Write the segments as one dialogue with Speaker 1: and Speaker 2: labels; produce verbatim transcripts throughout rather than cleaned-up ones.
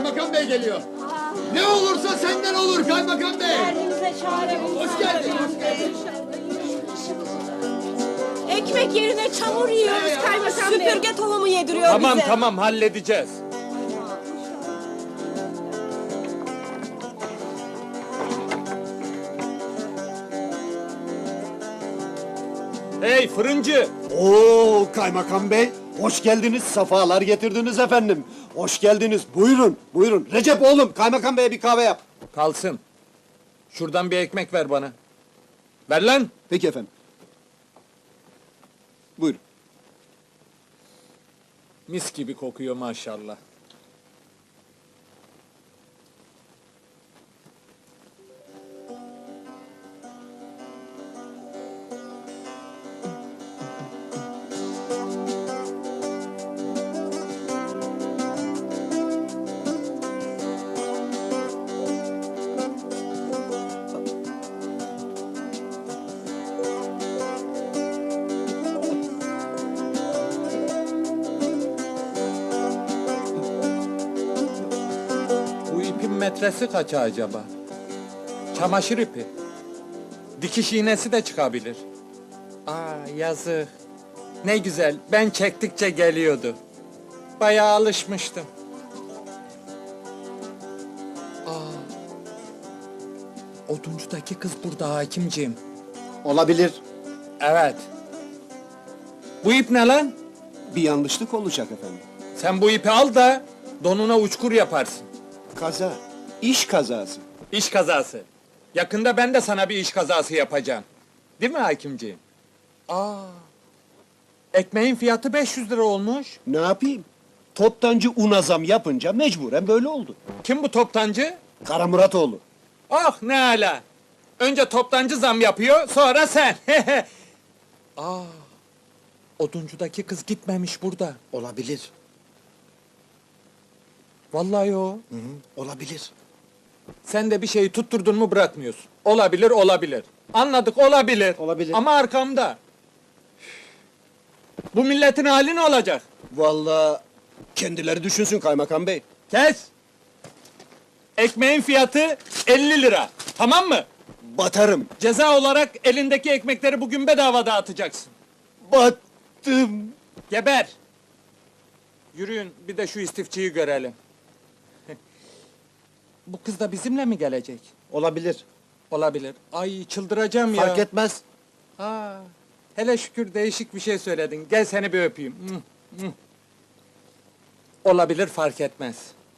Speaker 1: Kaymakam Bey geliyor. Ne olursa senden olur Kaymakam Bey.
Speaker 2: Derdimize çare bul.
Speaker 1: Hoş geldin, hoş geldin.
Speaker 2: Ekmek yerine çamur yiyoruz kaymakam bey. Süpürge tohumu yediriyor
Speaker 3: Tamam
Speaker 2: bize.
Speaker 3: tamam halledeceğiz. Hey fırıncı!
Speaker 4: Oo kaymakam bey, hoş geldiniz, safalar getirdiniz efendim. Hoş geldiniz, buyurun, buyurun. Recep oğlum, kaymakam beye bir kahve yap.
Speaker 3: Kalsın. Şuradan bir ekmek ver bana. Ver lan!
Speaker 4: Peki efendim. Buyurun.
Speaker 3: Mis gibi kokuyor maşallah. Bu ipin metresi kaça acaba? Çamaşır ipi. Dikiş iğnesi de çıkabilir. Aa yazık. Ne güzel, ben çektikçe geliyordu. Bayağı alışmıştım. Aa. Oduncudaki kız burada hakimciğim.
Speaker 4: Olabilir.
Speaker 3: Evet. Bu ip ne lan?
Speaker 4: Bir yanlışlık olacak efendim.
Speaker 3: Sen bu ipi al da donuna uçkur yaparsın.
Speaker 4: Kaza, iş kazası.
Speaker 3: İş kazası. Yakında ben de sana bir iş kazası yapacağım. Değil mi hakimciğim? Aa. Ekmeğin fiyatı beş yüz lira olmuş.
Speaker 4: Ne yapayım? Toptancı una zam yapınca mecburen böyle oldu.
Speaker 3: Kim bu toptancı?
Speaker 4: Kara Muratoğlu.
Speaker 3: Ah ne ala. Önce toptancı zam yapıyor, sonra sen. Aa. Oduncudaki kız gitmemiş burada.
Speaker 4: Olabilir.
Speaker 3: Vallahi o.
Speaker 4: Hı hı, olabilir.
Speaker 3: Sen de bir şeyi tutturdun mu bırakmıyorsun. Olabilir, olabilir. Anladık, olabilir.
Speaker 4: Olabilir.
Speaker 3: Ama arkamda. Bu milletin hali ne olacak?
Speaker 4: Vallahi kendileri düşünsün kaymakam bey.
Speaker 3: Kes! Ekmeğin fiyatı elli lira. Tamam mı?
Speaker 4: Batarım.
Speaker 3: Ceza olarak elindeki ekmekleri bugün bedava dağıtacaksın.
Speaker 4: Battım.
Speaker 3: Geber! Yürüyün, bir de şu istifçiyi görelim. Bu kız da bizimle mi gelecek?
Speaker 4: Olabilir.
Speaker 3: Olabilir. Ay çıldıracağım ya.
Speaker 4: Fark etmez.
Speaker 3: Aa, hele şükür değişik bir şey söyledin. Gel seni bir öpeyim. Mwah, mwah. Olabilir fark etmez.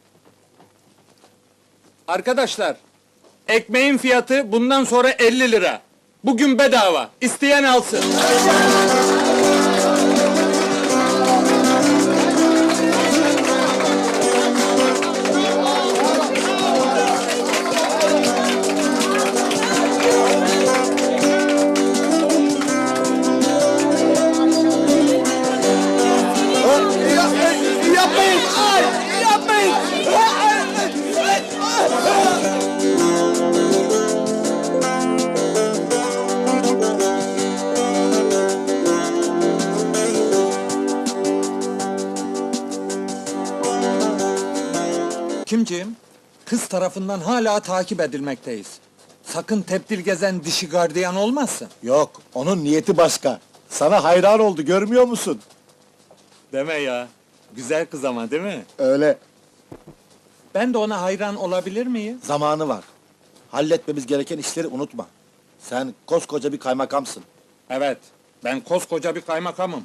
Speaker 3: Arkadaşlar, ekmeğin fiyatı bundan sonra elli lira. Bugün bedava. İsteyen alsın.
Speaker 4: Yapmayın! Yapmayın!
Speaker 3: Kimciğim? Kız tarafından hala takip edilmekteyiz. Sakın tepdil gezen dişi gardiyan olmasın.
Speaker 5: Yok, onun niyeti başka. Sana hayran oldu, görmüyor musun?
Speaker 3: Deme ya. Güzel kız ama değil mi?
Speaker 5: Öyle,
Speaker 3: Ben de ona hayran olabilir miyim?
Speaker 5: zamanı var. Halletmemiz gereken işleri unutma. Sen koskoca bir kaymakamsın.
Speaker 3: Evet. Ben koskoca bir kaymakamım.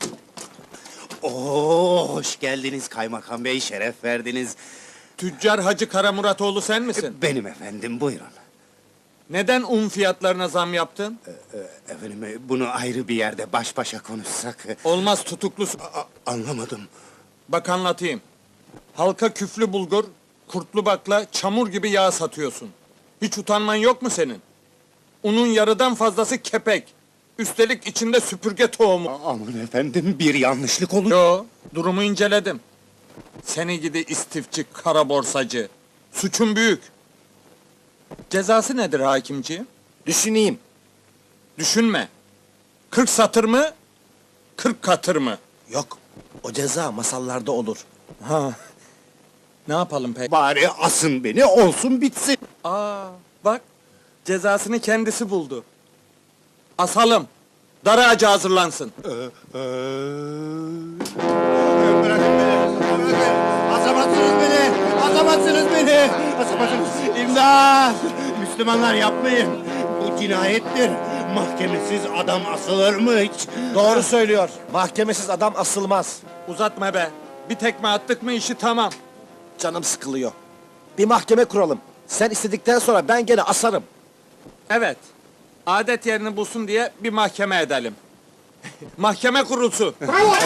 Speaker 6: Oo, hoş geldiniz kaymakam bey, şeref verdiniz.
Speaker 3: Tüccar Hacı Karamuratoğlu sen misin?
Speaker 6: Benim efendim, buyurun.
Speaker 3: Neden un fiyatlarına zam yaptın?
Speaker 6: Efendim, e, bunu ayrı bir yerde baş başa konuşsak... e,
Speaker 3: Olmaz tutuklusun.
Speaker 6: a- anlamadım.
Speaker 3: Bak anlatayım. Halka küflü bulgur, kurtlu bakla, çamur gibi yağ satıyorsun. Hiç utanman yok mu senin? Unun yarıdan fazlası kepek. Üstelik içinde süpürge tohumu.
Speaker 6: A- aman efendim, bir yanlışlık olur.
Speaker 3: Yo, durumu inceledim. Seni gidi istifçi, kara borsacı. Suçun büyük. Cezası nedir hakimciğim?
Speaker 5: Düşüneyim.
Speaker 3: Düşünme. Kırk satır mı? Kırk katır mı?
Speaker 5: Yok, o ceza masallarda olur.
Speaker 3: Ha. Ne yapalım peki?
Speaker 6: Bari asın beni, olsun bitsin.
Speaker 3: Aa, bak, cezasını kendisi buldu. Asalım, dar ağacı hazırlansın.
Speaker 6: Bırakın beni, bırakın. Asamazsınız beni, asamazsınız beni. Asamazsınız. İmdat! Müslümanlar yapmayın. Bu cinayettir. Mahkemesiz adam asılır mı hiç?
Speaker 5: Doğru söylüyor. Mahkemesiz adam asılmaz.
Speaker 3: Uzatma be, bir tekme attık mı işi tamam.
Speaker 5: Canım sıkılıyor. Bir mahkeme kuralım. Sen istedikten sonra ben gene asarım.
Speaker 3: Evet, adet yerini bulsun diye bir mahkeme edelim. Mahkeme kurulsun.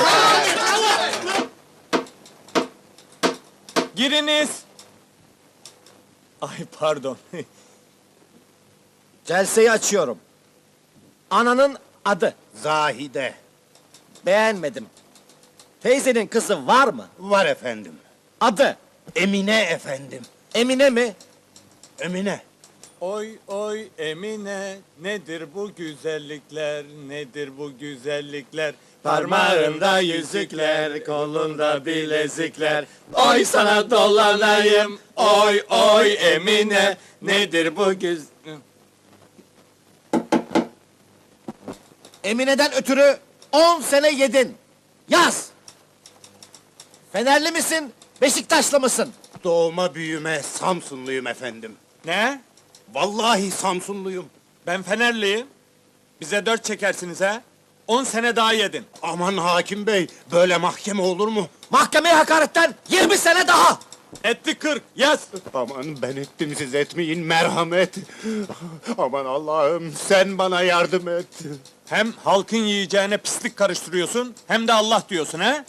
Speaker 3: Giriniz. Ay pardon.
Speaker 5: Celseyi açıyorum. Ananın adı.
Speaker 6: Zahide.
Speaker 5: Beğenmedim. Teyzenin kızı var mı?
Speaker 6: Var efendim.
Speaker 5: Adı.
Speaker 6: Emine efendim.
Speaker 5: Emine mi?
Speaker 6: Emine.
Speaker 3: Oy oy Emine, nedir bu güzellikler, nedir bu güzellikler? Parmağında yüzükler, kolunda bilezikler. Oy sana dolanayım, oy oy Emine, nedir bu güz...
Speaker 5: Emine'den ötürü on sene yedin. Yaz. Fenerli misin? Beşiktaşlı mısın?
Speaker 6: Doğma büyüme Samsunluyum efendim.
Speaker 3: Ne?
Speaker 6: Vallahi Samsunluyum.
Speaker 3: Ben Fenerliyim. Bize dört çekersiniz ha? On sene daha yedin.
Speaker 6: Aman hakim bey, böyle mahkeme olur mu?
Speaker 5: Mahkemeye hakaretten yirmi sene daha.
Speaker 3: Etti kırk, yaz.
Speaker 6: Aman ben ettim, siz etmeyin, merhamet. Aman Allah'ım, sen bana yardım et.
Speaker 3: Hem halkın yiyeceğine pislik karıştırıyorsun, hem de Allah diyorsun ha?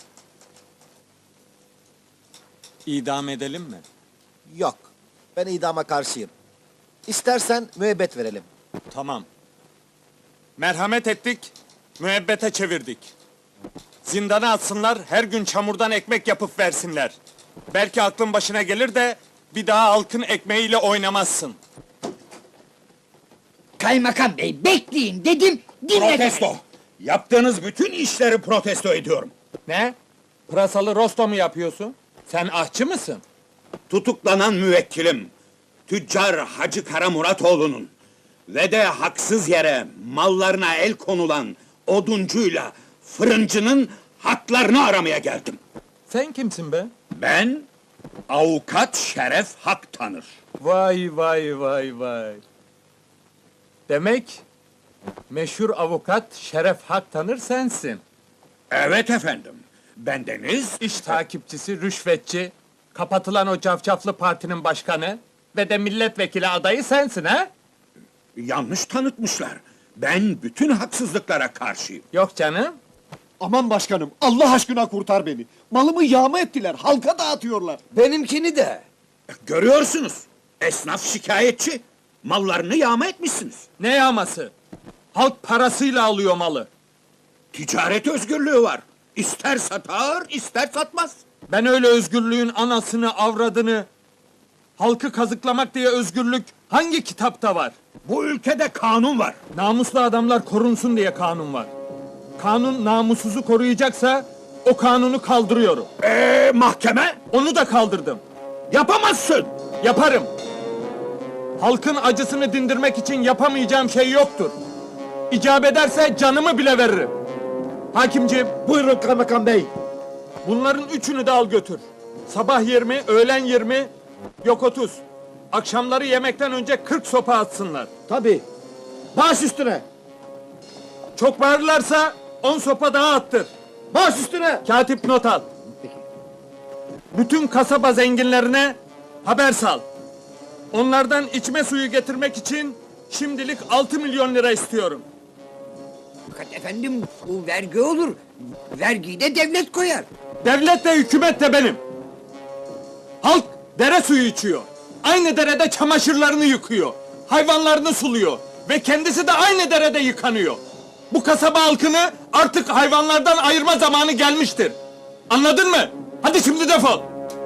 Speaker 3: İdam edelim mi?
Speaker 5: Yok. Ben idama karşıyım. İstersen müebbet verelim.
Speaker 3: Tamam. Merhamet ettik, müebbete çevirdik. Zindana atsınlar, her gün çamurdan ekmek yapıp versinler. Belki aklın başına gelir de bir daha halkın ekmeğiyle oynamazsın.
Speaker 7: Kaymakam bey bekleyin dedim, dinledim.
Speaker 8: Protesto! Yaptığınız bütün işleri protesto ediyorum.
Speaker 3: Ne? Pırasalı rosto mu yapıyorsun? Sen ahçı mısın?
Speaker 8: Tutuklanan müvekkilim, tüccar Hacı Kara Muratoğlu'nun ve de haksız yere mallarına el konulan oduncuyla fırıncının haklarını aramaya geldim.
Speaker 3: Sen kimsin be?
Speaker 8: Ben, avukat Şeref Hak tanır.
Speaker 3: Vay vay vay vay. Demek meşhur avukat Şeref Hak tanır sensin.
Speaker 8: Evet efendim, bendeniz...
Speaker 3: İş takipçisi, rüşvetçi, kapatılan o cafcaflı partinin başkanı ve de milletvekili adayı sensin ha?
Speaker 8: Yanlış tanıtmışlar. Ben bütün haksızlıklara karşıyım.
Speaker 3: Yok canım.
Speaker 4: Aman başkanım, Allah aşkına kurtar beni. Malımı yağma ettiler, halka dağıtıyorlar.
Speaker 5: Benimkini de.
Speaker 8: Görüyorsunuz, esnaf şikayetçi. Mallarını yağma etmişsiniz.
Speaker 3: Ne yağması? Halk parasıyla alıyor malı.
Speaker 8: Ticaret özgürlüğü var. İster satar, ister satmaz.
Speaker 3: Ben öyle özgürlüğün anasını, avradını, halkı kazıklamak diye özgürlük hangi kitapta var?
Speaker 8: Bu ülkede kanun var.
Speaker 3: Namuslu adamlar korunsun diye kanun var. Kanun namussuzu koruyacaksa o kanunu kaldırıyorum.
Speaker 8: Ee, mahkeme?
Speaker 3: Onu da kaldırdım.
Speaker 8: Yapamazsın.
Speaker 3: Yaparım. Halkın acısını dindirmek için yapamayacağım şey yoktur. İcap ederse canımı bile veririm. Hakimciğim,
Speaker 5: Buyurun kaymakam bey.
Speaker 3: bunların üçünü de al götür. Sabah yirmi, öğlen yirmi, yok otuz. Akşamları yemekten önce kırk sopa atsınlar.
Speaker 5: Tabii. Baş üstüne.
Speaker 3: Çok bağırırlarsa on sopa daha attır.
Speaker 5: Baş üstüne.
Speaker 3: Katip not al. Bütün kasaba zenginlerine haber sal. Onlardan içme suyu getirmek için şimdilik altı milyon lira istiyorum.
Speaker 7: Fakat efendim bu vergi olur. Vergiyi de devlet koyar.
Speaker 3: Devlet de hükümet de benim. Halk dere suyu içiyor. Aynı derede çamaşırlarını yıkıyor. Hayvanlarını suluyor. Ve kendisi de aynı derede yıkanıyor. Bu kasaba halkını artık hayvanlardan ayırma zamanı gelmiştir. Anladın mı? Hadi şimdi defol.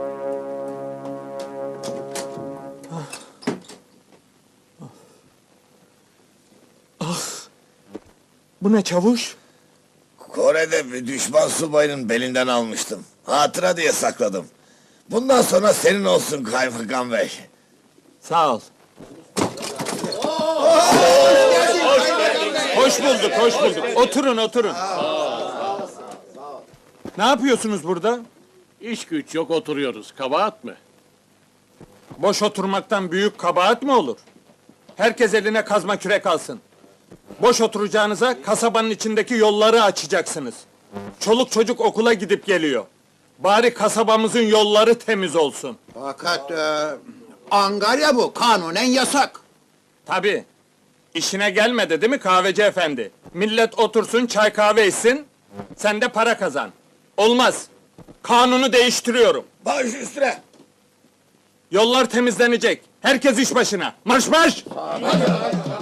Speaker 3: Bu ne çavuş?
Speaker 1: Kore'de bir düşman subayının belinden almıştım. Hatıra diye sakladım.
Speaker 5: Bundan sonra senin olsun kaymakam bey.
Speaker 3: Sağ ol. Hoş bulduk, hoş bulduk. Oturun, oturun. Ne yapıyorsunuz burada?
Speaker 9: İş güç yok oturuyoruz. Kabahat mı?
Speaker 3: Boş oturmaktan büyük kabahat mi olur? Herkes eline kazma kürek alsın. Boş oturacağınıza kasabanın içindeki yolları açacaksınız. Çoluk çocuk okula gidip geliyor. Bari kasabamızın yolları temiz olsun.
Speaker 8: Fakat e, Angarya bu, kanunen yasak.
Speaker 3: Tabii. İşine gelmedi değil mi kahveci efendi? Millet otursun, çay kahve içsin, sen de para kazan. Olmaz. Kanunu değiştiriyorum.
Speaker 5: Baş üstüne.
Speaker 3: Yollar temizlenecek. Herkes iş başına. Marş marş!